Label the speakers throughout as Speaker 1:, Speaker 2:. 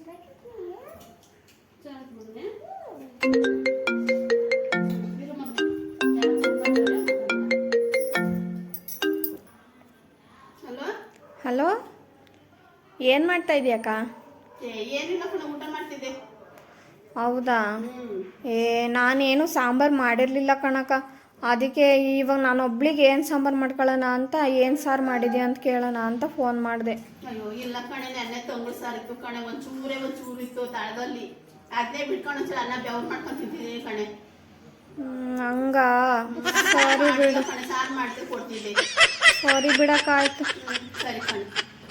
Speaker 1: Hello, ಏನು ಮಾಡ್ತಾ ಇದೀಯಕ್ಕ?
Speaker 2: ಏನಿಲ್ಲ ಕಣ, ಊಟ ಮಾಡ್ತಿದ್ದೆ.
Speaker 1: ಹೌದಾ? ನಾನೇನು ಸಾಂಬಾರು ಮಾಡಿರಲಿಲ್ಲ ಕಣಕ್ಕ. ಅದಕ್ಕೆ ಇವಾಗ ನಾನು ಒಬ್ಳಿಗೆ ಏನು ಸಾಂಬಾರು ಮಾಡ್ಕೊಳ್ಳೋಣ ಅಂತ, ಏನು ಸಾರು ಮಾಡಿದ್ಯಾ ಅಂತ ಕೇಳೋಣ ಅಂತ ಫೋನ್ ಮಾಡಿದೆ.
Speaker 2: ಅಯ್ಯೋ ಇಲ್ಲ ಕಣೆ, ನೆನ್ನೆ ತಂಗುಳು ಸಾರು ಇತ್ತು ಕಣೆ, ಒಂಚೂರು ಇತ್ತು ತಳದಲ್ಲಿ. ಅದೇ ಬಿಟ್ಕೊಂಡು ಒಂಚೂರು ಅನ್ನ ಬೆವ್ರು ಮಾಡ್ಕೊಂಡು ತಿಂತಿದ್ದೀನಿ ಕಣೆ.
Speaker 1: ಹಂಗ ಸರಿ ಬಿಡು
Speaker 2: ಕಣೆ, ಸಾರು ಮಾಡ್ತೀವಿ ಕೊಡ್ತಿದ್ದೆ.
Speaker 1: ಸರಿ ಬಿಡಕ್ಕಾಯ್ತು.
Speaker 2: ಸರಿ ಕಣೆ.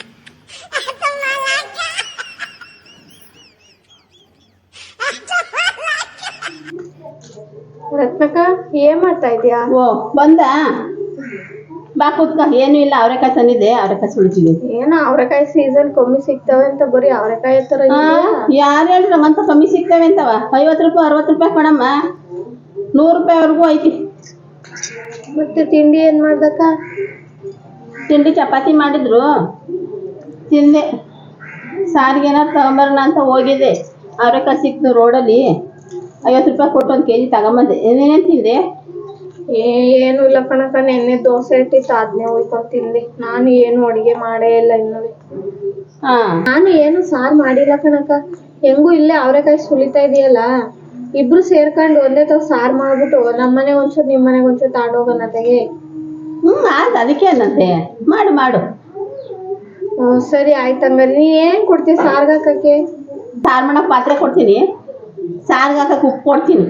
Speaker 1: ರತ್ನಕ್ಕ, ಏನ್ ಮಾಡ್ತಾ ಇದೀಯಾ?
Speaker 2: ಓ ಬಂದ ಬಾ ಕೂತ್ಕ. ಏನು ಇಲ್ಲ, ಅವರೆಕಾಯಿ ತಂದಿದ್ದೆ, ಅವರೆಕಾಯಿ ಸುಳಿತಿದ್ದೆ.
Speaker 1: ಏನೋ ಅವರೆಕಾಯಿ ಸೀಸನ್ ಕಮ್ಮಿ ಸಿಗ್ತವೆ ಅಂತ ಬರೀ ಅವರೆಕಾಯಿ ತರ.
Speaker 2: ಯಾರು ಹೇಳ್ರಿ ನಮ್ಮಂತ ಕಮ್ಮಿ ಸಿಗ್ತವೆ ಅಂತವ? 50 ರೂಪಾಯಿ 60 ರೂಪಾಯಿ ಕಣಮ್ಮ, 100 ರೂಪಾಯಿವರೆಗೂ ಐತಿ.
Speaker 1: ಮತ್ತೆ ತಿಂಡಿ ಏನ್ ಮಾಡ್ದಕ್ಕ?
Speaker 2: ತಿಂಡಿ ಚಪಾತಿ ಮಾಡಿದ್ರು, ತಿಂದೆ. ಸಾರಿಗೆ ಏನಾರು ತಗೊಂಬರೋಣ ಅಂತ ಹೋಗಿದ್ದೆ, ಅವರೆಕಾಯಿ ಸಿಕ್ತು ರೋಡಲ್ಲಿ. 50 ರೂಪಾಯಿ ಕೊಟ್ಟು 1 kg ತಗೊಂಬಂದೆ. ಏನೇನು ತಿಂದೆ?
Speaker 1: ಏನು ಇಲ್ಲ ಕಣಕ್ಕ, ನೆನ್ನೆ ದೋಸೆ ಇಟ್ಟಿತ್ತು, ಅದನ್ನೇ ಹೋಯ್ಕೊಂಡು ತಿಂದೆ. ನಾನು ಏನು ಅಡುಗೆ ಮಾಡೇ ಇಲ್ಲ ಇನ್ನು. ನಾನು ಏನು ಸಾರು ಮಾಡಿಲ್ಲ ಕಣಕ್ಕ. ಹೆಂಗೂ ಇಲ್ಲೇ ಅವರೆಕಾಯಿ ಸುಲಿತಾ ಇದೆಯಲ್ಲ, ಇಬ್ರು ಸೇರ್ಕೊಂಡು ಒಂದೇ ತರ ಸಾರು ಮಾಡ್ಬಿಟ್ಟು ನಮ್ಮನೆಗೆ ಒಂಚೂರು ನಿಮ್ಮನೆಗೆ ಒಂಚೂರು ತಗೊಂಡೋಗೋಣ ತೆಗೆ.
Speaker 2: ಅದಕ್ಕೆ ಅನ್ನಂತೆ, ಮಾಡು.
Speaker 1: ಸರಿ ಆಯ್ತು. ಹಂಗಾರೆ ನೀ ಏನು ಕೊಡ್ತೀಯ ಸಾರ್ಗೆ ಹಾಕಕ್ಕೆ?
Speaker 2: ಸಾರು ಮಾಡಕ್ಕೆ ಪಾತ್ರೆ ಕೊಡ್ತೀನಿ, ಸಾರ್ಗೆ ಹಾಕಕ್ಕೆ ಉಪ್ಪು ಕೊಡ್ತೀನಿ.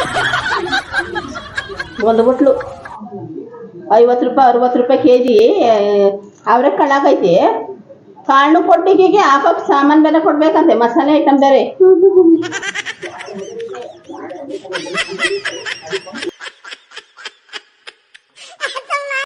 Speaker 2: 1 ಬಟ್ಲು 50 ರೂಪಾಯಿ 60 ರೂಪಾಯಿ kg ಅವರೆಕಾಳು ಹಾಕೈತಿ. ಕಾಳು ಕೊಟ್ಟಿಗೆಗೆ ಹಾಕೋಕೆ ಸಾಮಾನು ಬೇರೆ ಕೊಡ್ಬೇಕಂತೆ, ಮಸಾಲೆ ಐಟಮ್ ಬೇರೆ.